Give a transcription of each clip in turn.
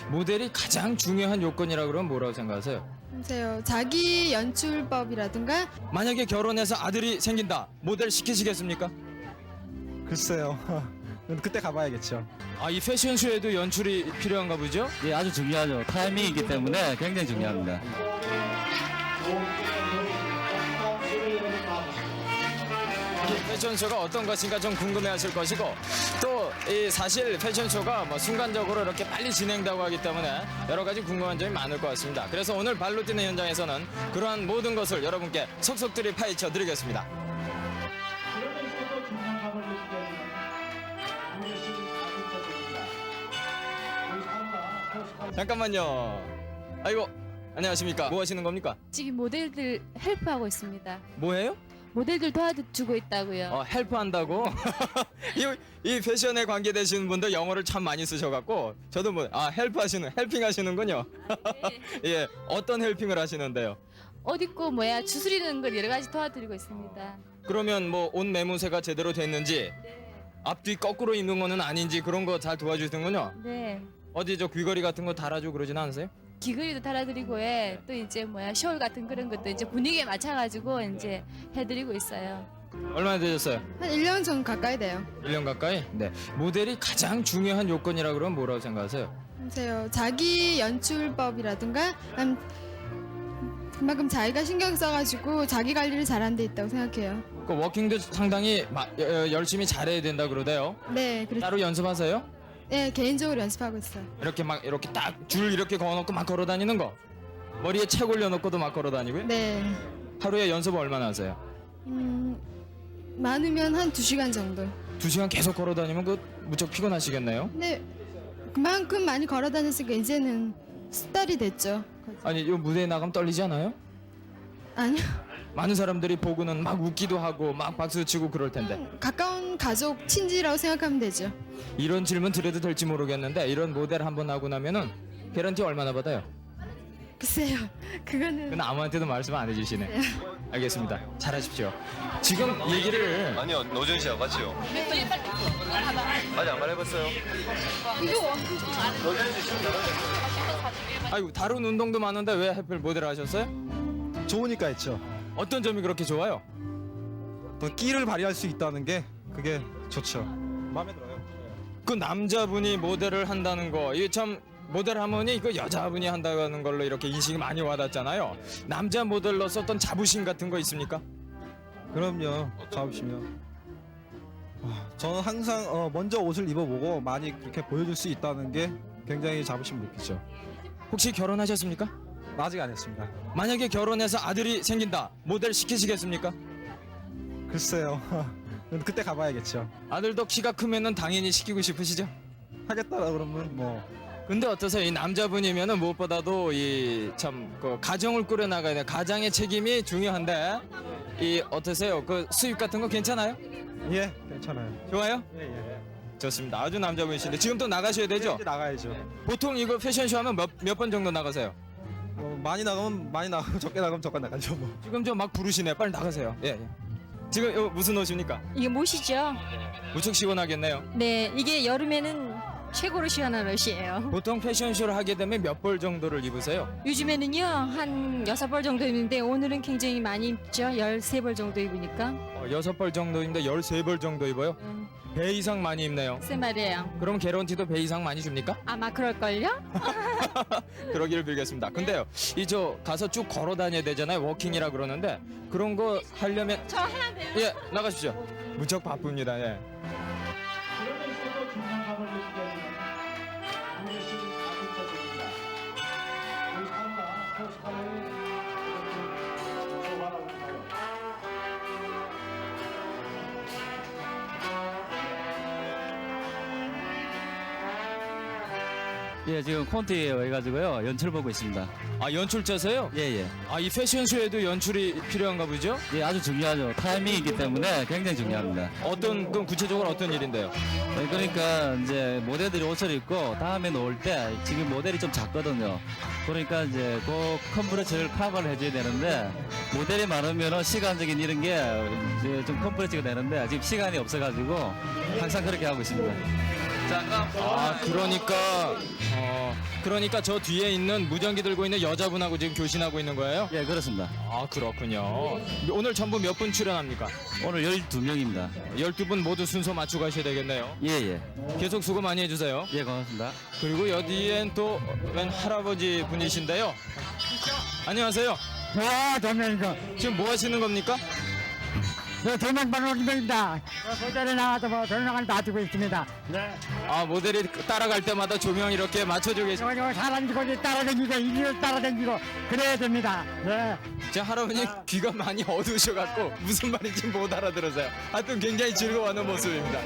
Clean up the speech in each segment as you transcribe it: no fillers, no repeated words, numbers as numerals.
모델이 가장 중요한 요건이라고 그러면 뭐라고 생각하세요? 글쎄요, 자기 연출법이라든가. 만약에 결혼해서 아들이 생긴다, 모델 시키시겠습니까? 글쎄요. 그때 가봐야겠죠. 아, 이 패션쇼에도 연출이 필요한가 보죠? 예, 아주 중요하죠. 타이밍이기 때문에 굉장히 중요합니다. 패션쇼가 어떤 것인가 좀 궁금해하실 것이고, 또 이 사실 패션쇼가 뭐 순간적으로 이렇게 빨리 진행되고 하기 때문에 여러 가지 궁금한 점이 많을 것 같습니다. 그래서 오늘 발로 뛰는 현장에서는 그러한 모든 것을 여러분께 속속들이 파헤쳐 드리겠습니다. 잠깐만요. 아이고, 안녕하십니까? 뭐 하시는 겁니까? 지금 모델들 헬프하고 있습니다. 뭐해요? 모델들 도와주고 있다고요. 헬프한다고? 이 패션에 관계되시는 분들 영어를 참 많이 쓰셔갖고 저도 헬핑 하시는군요. 예, 어떤 헬핑을 하시는데요? 옷 입고 주스리는 걸 여러 가지 도와드리고 있습니다. 그러면 뭐 옷 매무새가 제대로 됐는지 앞뒤 거꾸로 입는 거는 아닌지 그런 거 잘 도와주시는군요. 네. 어디 저 귀걸이 같은 거 달아주고 그러진 않으세요? 귀걸이도 달아드리고 또 이제 숄 같은 그런 것도 이제 분위기에 맞춰가지고 이제 해드리고 있어요. 얼마나 되셨어요? 한 1년 정도 가까이 돼요. 1년 가까이? 네. 모델이 가장 중요한 요건이라고 그러면 뭐라고 생각하세요? 글쎄요, 자기 연출법이라든가 그만큼 자기가 신경 써가지고 자기 관리를 잘한 데 있다고 생각해요. 그 워킹도 상당히 열심히 잘해야 된다 그러대요. 네, 따로 연습하세요? 네, 개인적으로 연습하고 있어요. 이렇게 딱 줄 이렇게 그어놓고 막 걸어 다니는 거, 머리에 책 올려놓고도 막 걸어 다니고요. 네, 하루에 연습 얼마나 하세요? 많으면 한 2시간 정도. 2시간 계속 걸어 다니면 그 무척 피곤하시겠네요. 근데 그만큼 많이 걸어 다녔으니까 이제는 습달이 됐죠. 아니, 이 무대에 나가면 떨리지 않아요? 아니요. 많은 사람들이 보고는 막 웃기도 하고 막 박수 치고 그럴 텐데. 가까운 가족, 친지라고 생각하면 되죠. 이런 질문 드려도 될지 모르겠는데 이런 모델 한번 하고 나면은 개런티 얼마나 받아요? 글쎄요, 그거는 그건 아무한테도 말씀 안 해주시네. 알겠습니다. 잘하십시오. 지금 얘기를 아니요, 노준 씨하고 같이요. 아직 안 말해봤어요. 아이고, 다른 운동도 많은데 왜 하필 모델 하셨어요? 좋으니까 했죠. 어떤 점이 그렇게 좋아요? 또 끼를 발휘할 수 있다는 게 그게 좋죠. 마음에 들어요. 그 남자분이 모델을 한다는 거, 이게 참 모델 하모니 그 여자분이 한다는 걸로 이렇게 인식이 많이 와닿잖아요. 남자 모델로서 어떤 자부심 같은 거 있습니까? 그럼요. 잡으시면. 저는 항상 먼저 옷을 입어보고 많이 그렇게 보여줄 수 있다는 게 굉장히 자부심 느끼죠. 혹시 결혼하셨습니까? 아직 안 했습니다. 만약에 결혼해서 아들이 생긴다, 모델 시키시겠습니까? 글쎄요. 그때 가봐야겠죠. 아들도 키가 크면은 당연히 시키고 싶으시죠? 하겠다라 그러면 뭐 근데 어떠세요? 이 남자분이면은 무엇보다도 이 참 그 가정을 꾸려 나가야 돼. 가장의 책임이 중요한데 이 어떠세요? 그 수입 같은 거 괜찮아요? 예, 괜찮아요. 좋아요? 예. 좋습니다. 아주 남자분이신데 지금 또 나가셔야 되죠? 이제 나가야죠. 보통 이거 패션쇼 하면 몇 번 정도 나가세요? 많이 나가면 많이 나가고 적게 나가면 적게 나가죠 뭐. 지금 좀 막 부르시네. 빨리 나가세요. 예. 지금 이거 무슨 옷입니까? 이게 못이죠? 무척 시원하겠네요. 네, 이게 여름에는 최고로 시원한 옷이에요. 보통 패션쇼를 하게 되면 몇 벌 정도를 입으세요? 요즘에는요, 한 6벌 정도 입는데 오늘은 굉장히 많이 입죠. 13벌 정도 입으니까. 6벌 정도인데 13벌 정도 입어요? 배 이상 많이 입네요. 글쎄 말이에요. 그럼 개런티도 배 이상 많이 줍니까? 아마 그럴걸요? 그러기를 빌겠습니다. 근데요, 이 저 가서 쭉 걸어 다녀야 되잖아요. 워킹이라 그러는데 그런 거 하려면 저 해야 돼요. 예, 나가십시오. 무척 바쁩니다. 예. 예, 지금 콘티에 와가지고요. 연출 보고 있습니다. 아, 연출자세요? 예. 아, 이 패션쇼에도 연출이 필요한가 보죠? 예, 아주 중요하죠. 타이밍이기 때문에 굉장히 중요합니다. 그럼 구체적으로 어떤 일인데요? 예, 그러니까 이제 모델들이 옷을 입고 다음에 놓을 때 지금 모델이 좀 작거든요. 그러니까 이제 그 컴프레스를 커버를 해줘야 되는데 모델이 많으면 시간적인 이런 게 이제 좀 컴프레스가 되는데 지금 시간이 없어가지고 항상 그렇게 하고 있습니다. 아, 그러니까 저 뒤에 있는 무전기 들고 있는 여자분하고 지금 교신하고 있는 거예요? 예, 그렇습니다. 아, 그렇군요. 오늘 전부 몇 분 출연합니까? 오늘 12명입니다. 12분 모두 순서 맞추고 가셔야 되겠네요. 예, 예. 계속 수고 많이 해주세요. 예, 고맙습니다. 그리고 여기엔 또 웬 할아버지 분이신데요. 안녕하세요. 와, 도면이고. 지금 뭐 하시는 겁니까? 저 도면반 오기입니다. 모델에 나와서 뭐 조명을 놔두고 있습니다. 네. 아, 모델이 따라갈 때마다 조명 이렇게 맞춰주고 계시고. 저 사람 이거 따라다니고 이리로 따라다니고 그래야 됩니다. 네. 제 할아버지 귀가 많이 어두우셔갖고 무슨 말인지 못 알아들어서요. 하여튼 굉장히 즐거워하는 모습입니다.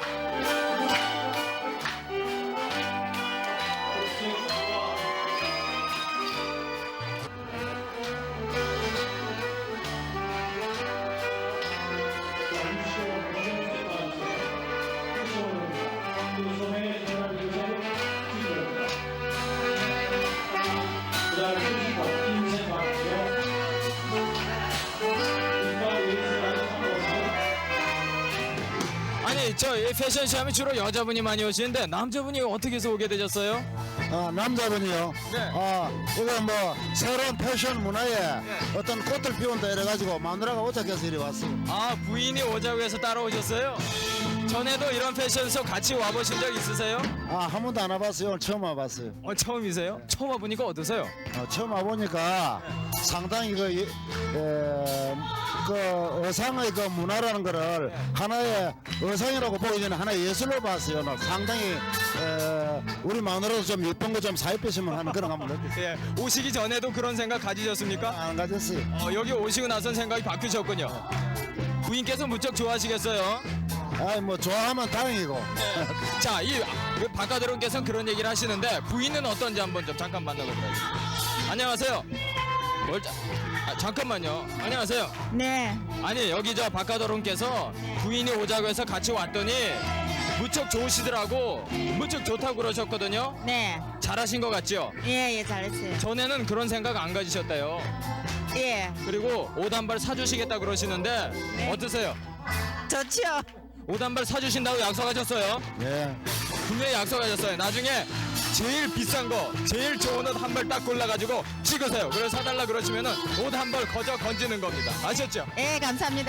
아니, 저 이 패션쇼 하면 주로 여자분이 많이 오시는데 남자분이 어떻게 해서 오게 되셨어요? 남자분이요. 네. 이거 뭐 새로운 패션 문화에 어떤 꽃을 피운다 이래가지고 마누라가 오작해서 이리 왔어요. 아, 부인이 오자고 해서 따라오셨어요? 전에도 이런 패션쇼 같이 와보신 적 있으세요? 한 번도 안 와봤어요. 오늘 처음 와봤어요. 처음이세요? 처음 와보니까 어떠세요? 처음 와보니까 상당히 그 의상의 그 문화라는 거를 하나의 의상이라고 보기 전에 하나의 예술로 봤어요. 오늘 상당히 우리 마누라도 좀 예쁜 거 좀 사입히시면 하는 그런 한번 느꼈어요. 예, 오시기 전에도 그런 생각 가지셨습니까? 안 가졌어요. 여기 오시고 나선 생각이 바뀌셨군요. 부인께서 무척 좋아하시겠어요? 뭐 좋아하면 다행이고. 자, 이 바깥으로께서는 그런 얘기를 하시는데 부인은 어떤지 한번 좀 잠깐 만나보도록 하겠습니다. 안녕하세요. 잠깐만요. 안녕하세요. 네. 아니, 여기 저 바깥어른께서 부인이 오자고 해서 같이 왔더니 무척 좋으시더라고. 무척 좋다고 그러셨거든요. 네. 잘하신 것 같죠? 예, 잘했어요. 전에는 그런 생각 안 가지셨대요. 예. 그리고 옷 한 벌 사주시겠다 그러시는데 네. 어떠세요? 좋지요. 옷 한 벌 사주신다고 약속하셨어요? 네. 분명히 약속하셨어요. 나중에 제일 비싼 거, 제일 좋은 옷 한 벌 딱 골라가지고 찍으세요. 그래서 사달라 그러시면은 옷 한 벌 거저 건지는 겁니다. 아셨죠? 예, 감사합니다.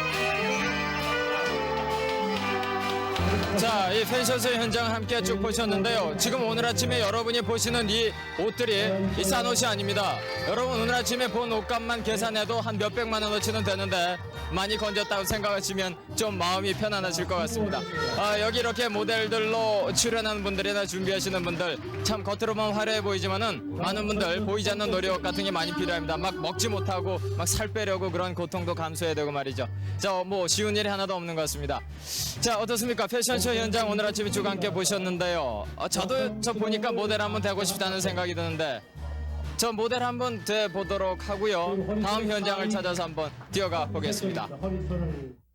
자, 이 패션쇼 현장 함께 쭉 보셨는데요. 지금 오늘 아침에 여러분이 보시는 이 옷들이 이 싼 옷이 아닙니다. 여러분 오늘 아침에 본 옷값만 계산해도 한 몇백만 원어치는 되는데 많이 건졌다고 생각하시면 좀 마음이 편안하실 것 같습니다. 여기 이렇게 모델들로 출연하는 분들이나 준비하시는 분들 참 겉으로만 화려해 보이지만은 많은 분들 보이지 않는 노력 같은 게 많이 필요합니다. 막 먹지 못하고 막 살 빼려고 그런 고통도 감수해야 되고 말이죠. 자, 뭐 쉬운 일이 하나도 없는 것 같습니다. 자, 어떻습니까? 패션쇼 현장 오늘 아침에 쭉 함께 보셨는데요. 저도 저 보니까 모델 한번 되고 싶다는 생각이 드는데 저 모델 한번 돼 보도록 하고요. 다음 현장을 찾아서 한번 뛰어가 보겠습니다.